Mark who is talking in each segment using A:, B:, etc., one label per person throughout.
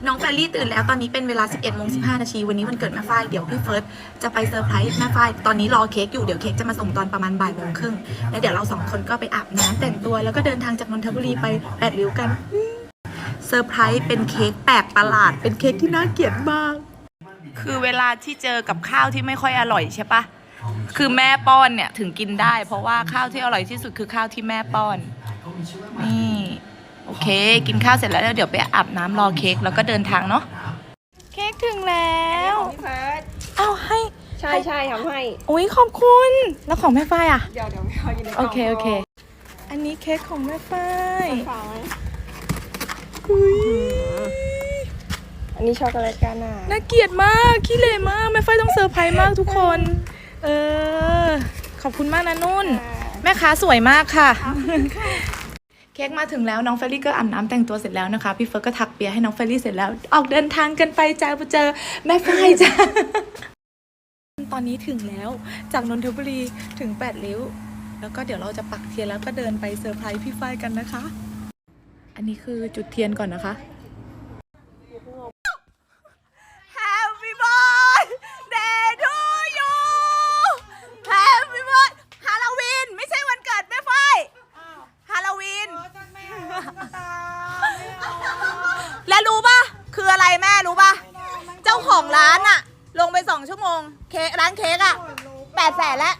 A: น้องแฟรรี่ตื่นแล้วตอนนี้เป็นเวลา 11:15 นาทีวันนี้วันเกิดแม่ฝ้ายเดี๋ยวพี่เฟิร์สจะไปเซอร์ไพรส์แม่ฝ้ายตอนนี้รอเค้กอยู่เดี๋ยวเค้กจะมาส่งตอนประมาณบ่ายโมงครึ่งแล้วเดี๋ยวเรา2คนก็ไปอาบน้ำแต่งตัวแล้วก็เดินทางจากนนทบุรีไป8 ริ้วกันเซอร์ไพรส์เป็นเค้กแปลกประหลาดเป็นเค้กที่น่าเกลียดมากคือเวลาที่เจอกับข้าวที่ไม่ค่อยอร่อยใช่ปะคือแม่ป้อนเนี่ยถึงกินได้เพราะว่าข้าวที่อร่อยที่สุดคือข้าวที่แม่ป้อนนี่โอเคกินข้าวเสร็จแล้วเดี๋ยวไปอาบน้ำรอเค้กแล้วก็เดินทางเนาะเค้กถึงแล้ว
B: พี่เฟิร์ส
A: เอาให้
B: ใช่ทำให้
A: อุ้ยขอบคุณแล้วของแม่ฝ้ายอ่ะ
B: เดี๋ยวไม่เอาอยู่ในกล่อง
A: โอเคอันนี้เค้กของแม่ฝ้าย
B: อันนี้ช็อกโกแลตกาน่า
A: น่าเกลียดมากขี้เหร่มากแม่ฝ้ายต้องเซอร์ไพรส์มากทุกคนขอบคุณมากนะนุ่นแม่ค้าสวยมากค่ะเค้กมาถึงแล้วน้องเฟรรี่ก็อาบน้ำแต่งตัวเสร็จแล้วนะคะพี่เฟิร์สก็ถักเปียให้น้องเฟรรี่เสร็จแล้วออกเดินทางกันไปจ้าไปเจอแม่ฝ้ายจ้าตอนนี้ถึงแล้วจากนนทบุรีถึง8 ริ้วแล้วก็เดี๋ยวเราจะปักเทียนแล้วก็เดินไปเซอร์ไพรส์พี่ฝ้ายกันนะคะอันนี้คือจุดเทียนก่อนนะคะ Happy birthday to you Happy birthday ฮาโลวีนไม่ใช่วันเกิดแม่ฝ้ายฮาโลวีนแล้วรู้ป่ะคืออะไรแม่รู้ป่ะเจ้าของร้านอะลงไป2 ชั่วโมงเค้กร้านเค้กอะ800,000แล้ว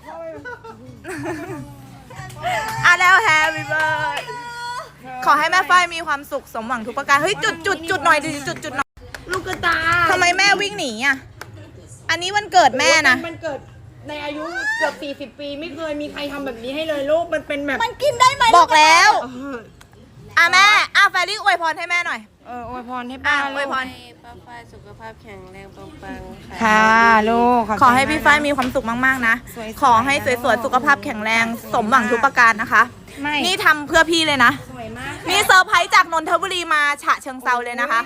A: แล้ว Happy birthday ขอให้แม่ฝ้ายมีความสุขสมหวังทุกประการเฮ้ยจุดหน่อยดิจุดหน่อย
B: ลูกกระตา
A: ทำไมแม่วิ่งหนีอ่ะอันนี้วันเกิดแม่นะ
B: มันเกิดในอายุเกือบ40 ปีไม่เคยมีใครทำแบบนี้ให้เลยลูกมันเป็นแบบ
A: มันกินได้ไหมบอกแล้วแม่แฟรรี่อวยพรให้แม่หน่อย
B: อวยพรให้ป้า
A: อวยพร
B: ป้าฝ้ายสุขภาพแข็งแรงปังๆ
A: ค่ะลูกขอให้พี่ฝ้ายมีความสุขมากๆนะขอให้สวยๆสุขภาพแข็งแรงสมหวังทุกประการนะคะนี่ทำเพื่อพี่เลยนะนี่เซอร์ไพรส์จากนนทบุรีมาฉะเชิงเซาเลยนะคะ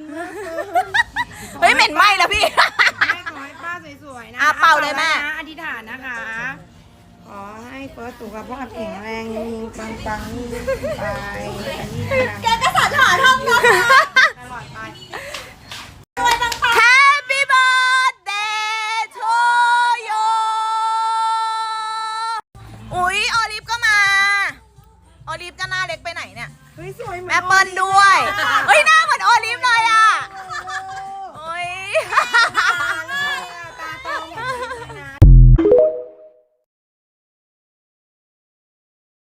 A: เฮ้ยเหม็นไหมแล้วพี่
B: ขอให้ป้าสวยๆนะ
A: เป่าเลยแม่
B: อธิษฐานนะคะขอให้เฟิร์สสุขภาพแข็งแรงปังๆนี่ไป
A: แกก็สอนหาท่องนะ
B: ตลอดไป
A: Happy birthday to you อุ๊ยออลิฟก็มาออลิฟจะหน้าเล็กไปไหนเนี่ย
B: เฮ้ยสวย
A: แม่เปิ้ลด้วยเฮ้ยหน้า